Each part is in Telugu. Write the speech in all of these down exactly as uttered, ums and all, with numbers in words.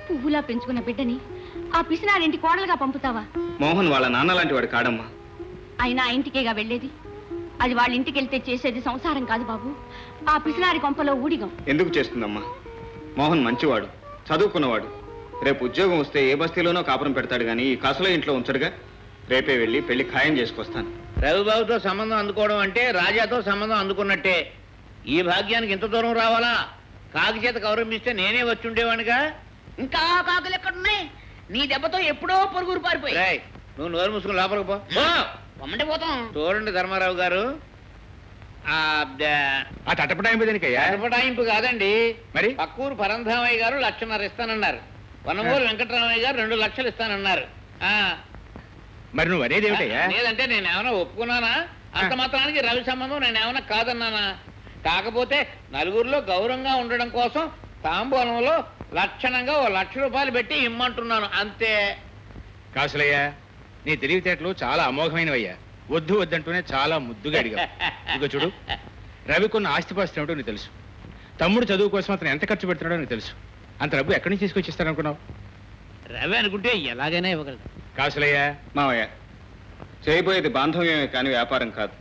పువ్వులా పెంచుకున్న బిడ్డని ఆ పిసినారింటి కోడలుగా పంపుతావా? మోహన్ వాళ్ళ నాన్న లాంటి వాడు కాడమ్మా. అయినా ఆ ఇంటికేగా వెళ్ళేది. అది వాళ్ళ ఇంటికి వెళ్తే చేసేది సంసారం కాదు బాబు, ఆ పిసినారి కొంపలో ఊడిగం. ఎందుకు చేస్తుందమ్మా? మోహన్ మంచివాడు, చదువుకున్నవాడు. రేపు ఉద్యోగం వస్తే ఏ బస్తీలోనో కాపురం పెడతాడు గాని ఈ కాసులో ఇంట్లో ఉంచడుగా. రేపే వెళ్ళి పెళ్లి ఖాయం చేసుకొస్తాను. రవిబాబుతో సంబంధం అందుకోవడం అంటే రాజాతో సంబంధం అందుకున్నట్టే. ఈ భాగ్యానికి ఇంత దూరం రావాలా? కాకి చేత గౌరవిస్తే నేనే వచ్చి ఉండేవాడిగా. ఇంకా కాకులు ఎక్కడున్నాయి? నీ దెబ్బతో ఎప్పుడో పొరుగురు పారిపోయి. నువ్వు నోరు మూసుకుని లోపలికి పో. పొమ్మంటే పోతాం. చూడండి ధర్మారావు గారు, ఆ తటపటాయింపు దేనికయ్యా? తటపటాయింపు కాదండి, మరి పక్కూరు పరంధామయ్య గారు లక్షన్నర ఇస్తానన్నారు. వనమూరు వెంకటరామయ్య గారు రెండు లక్షలు ఇస్తానన్నారు. మరి నువ్వు అనేది ఏమిటయ్యా? లేదంటే నేను ఏమైనా ఒప్పుకున్నానా? అంత మాత్రానికి రవి సంబంధం నేను ఏమైనా కాదన్నానా? కాకపోతే నలుగురిలో గౌరవంగా ఉండడం కోసం తాంబూలంలో లక్షణంగా ఓ లక్ష రూపాయలు పెట్టి ఇమ్మంటున్నాను అంతే. కాసులయ్యా, నీ తెలివితేటలు చాలా అమోఘమైనవయ్యా. వద్దు వద్దంటూనే చాలా ముద్దుగా అడిగా. ఇక చూడు, రవికున్న ఆస్తిపాస్తులు ఏమిటో నీకు తెలుసు. తమ్ముడు చదువు కోసం అతను ఎంత ఖర్చు పెడుతున్నాడో నీకు తెలుసు. అంత డబ్బు ఎక్కడి నుంచి తీసుకొచ్చి ఇస్తారనుకున్నావు? రవి అనుకుంటే ఎలాగైనా ఇవ్వగలదు. కాసులయ్యా, మావయ్య, చేయబోయేది బాంధవ్యమే కానీ వ్యాపారం కాదు.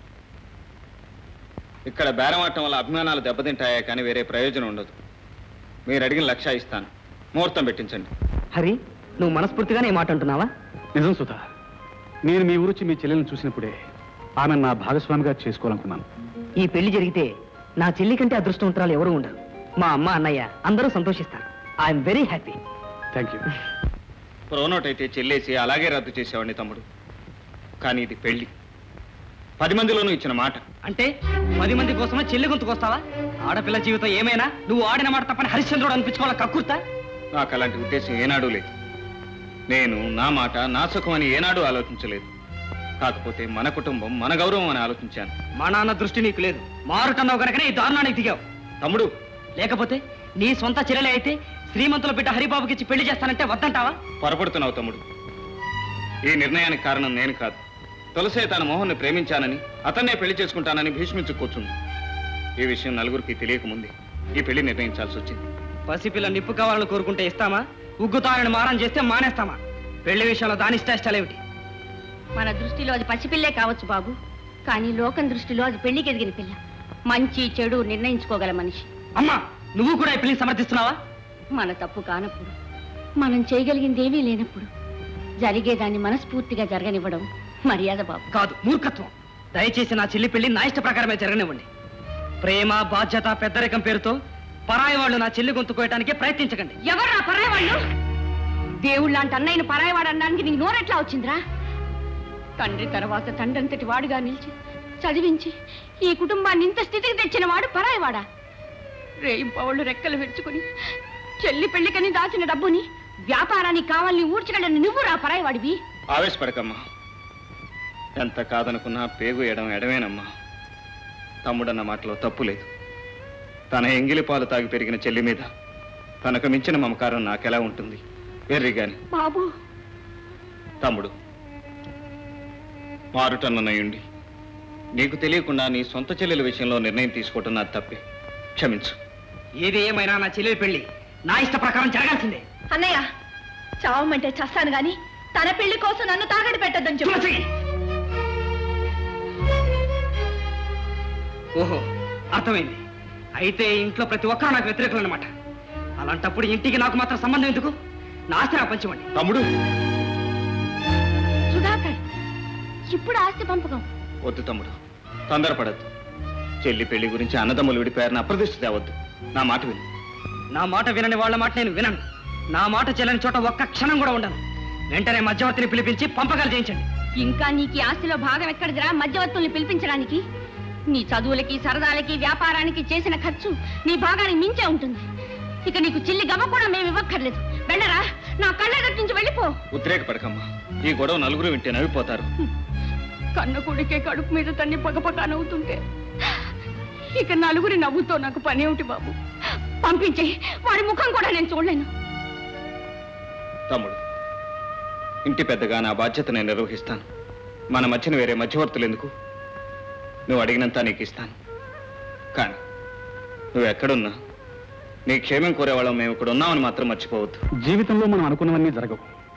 ఇక్కడ బేరమాటం వల్ల అభిమానాలు దెబ్బతింటాయా కానీ వేరే ప్రయోజనం ఉండదు. మీరు అడిగిన లక్ష ఇస్తాను, ముహూర్తం పెట్టించండి. హరి, నువ్వు మనస్ఫూర్తిగానే మాట అంటున్నావా? నిజం సుధా, నేను మీ ఊరొచ్చి మీ చెల్లెలను చూసినప్పుడే ఆమె నా భాగస్వామిగా చేసుకోవాలనుకున్నాను. ఈ పెళ్లి జరిగితే నా చెల్లి కంటే అదృష్టవంతురాలు ఎవరు ఉండరు. మా అమ్మ అన్నయ్య అందరూ సంతోషిస్తారు. I'm very happy. Thank you. Pronote అయితే చెల్లేసి అలాగే రద్దు చేసేవాడిని తమ్ముడు. కానీ ఇది పెళ్లి, పది మందిలోనూ ఇచ్చిన మాట. అంటే పది మంది కోసమే చెల్లి గొంతుకొస్తావా? ఆడపిల్ల జీవితం ఏమైనా నువ్వు ఆడిన మాట తప్పని హరిశ్చంద్రుడు అనిపించుకోవాలా కక్కుర్తా? నాకు అలాంటి ఉద్దేశం ఏనాడూ లేదు. నేను నా మాట నా సుఖం అని ఏనాడూ ఆలోచించలేదు. కాకపోతే మన కుటుంబం మన గౌరవం అని ఆలోచించాను. మా నాన్న దృష్టి నీకు లేదు. మారుటన్నావు కనుకనే ఈ దారుణానికి దిగావు. తమ్ముడు, లేకపోతే నీ సొంత చెల్లెలే అయితే శ్రీమంతుల బిడ్డ హరిబాబుకి ఇచ్చి పెళ్లి చేస్తానంటే వద్దంటావా? పొరపడుతున్నావు తమ్ముడు. ఈ నిర్ణయానికి కారణం నేను కాదు. తులసే తన మోహన్ని ప్రేమించానని అతన్నే పెళ్లి చేసుకుంటానని భీష్మించుకోవచ్చుంది. ఈ విషయం నలుగురికి తెలియకముందే ఈ పెళ్లి నిర్ణయించాల్సి వచ్చింది. పసిపిల్ల నిప్పు కావాలని కోరుకుంటే ఇస్తామా? ఉగ్గుతానని మారం చేస్తే మానేస్తామా? పెళ్లి విషయంలో దాని ఇష్టాయిష్టాలేమిటి? మన దృష్టిలో అది పసిపిల్లే కావచ్చు బాబు, కానీ లోకం దృష్టిలో అది పెళ్లికి ఎదిగిన పిల్ల. మంచి చెడు నిర్ణయించుకోగల మనిషి. అమ్మా, నువ్వు కూడా ఈ పెళ్లిని సమర్థిస్తున్నావా? మన తప్పు కానప్పుడు, మనం చేయగలిగింది ఏమీ లేనప్పుడు జరిగేదాన్ని మనస్ఫూర్తిగా జరగనివ్వడం మర్యాద బాబు. కాదు, మూర్ఖత్వం. దయచేసి నా చెల్లి పెళ్లి నా ఇష్ట ప్రకారమే జరగనివ్వండి. ప్రేమ, బాధ్యత, పెద్దరికం పేరుతో పరాయి వాళ్ళు నా చెల్లి గొంతుకోయటానికి ప్రయత్నించకండి. ఎవరు నా పరాయి వాళ్ళు? దేవుళ్ళ లాంటి అన్నయ్యను పరాయివాడు అనడానికి నీకు నోరెట్లా వచ్చిందిరా? తండ్రి తర్వాత తండ్రంతటి వాడుగా నిలిచి చదివించి ఈ కుటుంబాన్ని ఇంత స్థితికి తెచ్చిన వాడు పరాయివాడా? రేయింపవాళ్ళు రెక్కలు వెచ్చుకుని చెల్లి పెళ్లికని దాచిన డబ్బుని వ్యాపారానికి కావాలని ఊడ్చగలని నువ్వు రా పరాయివాడివి. ఆవేశపడకమ్మా. ఎంత కాదనుకున్నా పేగు ఎడం ఎడమేనమ్మా. తమ్ముడన్న మాటలో తప్పు లేదు. తన ఎంగిలి పాలు తాగి పెరిగిన చెల్లి మీద తనకు మించిన మమకారం నాకెలా ఉంటుంది? వెర్రిగాని బాబు. తమ్ముడు, మారుటన్నయ్యుండి నీకు తెలియకుండా నీ సొంత చెల్లెల విషయంలో నిర్ణయం తీసుకోవటం నా తప్పే. క్షమించు. ఏది ఏమైనా నా చెల్లెలి పెళ్లి నా ఇష్ట ప్రకారం జరగాల్సిందే. అన్నయ్య, చావమంటే చస్తాను గాని తన పెళ్లి కోసం నన్ను తాగడి పెట్టద్దని చెప్పి. ఓహో, అర్థమైంది. అయితే ఇంట్లో ప్రతి ఒక్కరూ నాకు వ్యతిరేకులు అన్నమాట. అలాంటప్పుడు ఇంటికి నాకు మాత్రం సంబంధం ఎందుకు? నా ఆస్తి నాకు పంచమండి. తమ్ముడు. సుధాకర్, ఇప్పుడు ఆస్తి పంపకం వద్దు తమ్ముడు, తొందరపడద్దు. చెల్లి పెళ్లి గురించి అన్నదమ్ములు విడిపోయారని అప్రదిష్ట తేవద్దు. నా మాట విను. నా మాట వినని వాళ్ళ మాట నేను వినను. నా మాట చెల్లని చోట ఒక్క క్షణం కూడా ఉండను. వెంటనే మధ్యవర్తిని పిలిపించి పంపకాలు చేయించండి. ఇంకా నీకు ఆస్తిలో భాగం ఎక్కడిదిరా మధ్యవర్తుల్ని పిలిపించడానికి? నీ చదువులకి, సరదాలకి, వ్యాపారానికి చేసిన ఖర్చు నీ భాగానికి మించే ఉంటుంది. ఇక నీకు చిల్లి గవ్వ కూడా మేము ఇవ్వక్కర్లేదు. వెళ్ళరా, నా కళ్ళెదటి నుంచి వెళ్ళిపో. ఉద్రేకపడకమ్మా. ఈ గొడవ నలుగురు వింటే నవ్విపోతారు. కన్న కొడుకే కడుపు మీద తన్ని పగపగా నవ్వుతుంటే ఇక నలుగురి నవ్వుతో నాకు పని ఏమిటి బాబు? పంపించే, వాడి ముఖం కూడా నేను చూడలేను. తమ్ముడు, ఇంటి పెద్దగా నా బాధ్యత నేను నిర్వహిస్తాను. మన మధ్యన వేరే మధ్యవర్తులు ఎందుకు? నువ్వు అడిగినంత నీకు ఇస్తాను. కానీ నువ్వు ఎక్కడున్నా నీ క్షేమం కోరేవాళ్ళం మేము ఇక్కడ ఉన్నామని మాత్రం మర్చిపోవద్దు. జీవితంలో మనం అనుకున్నవన్నీ జరగవు.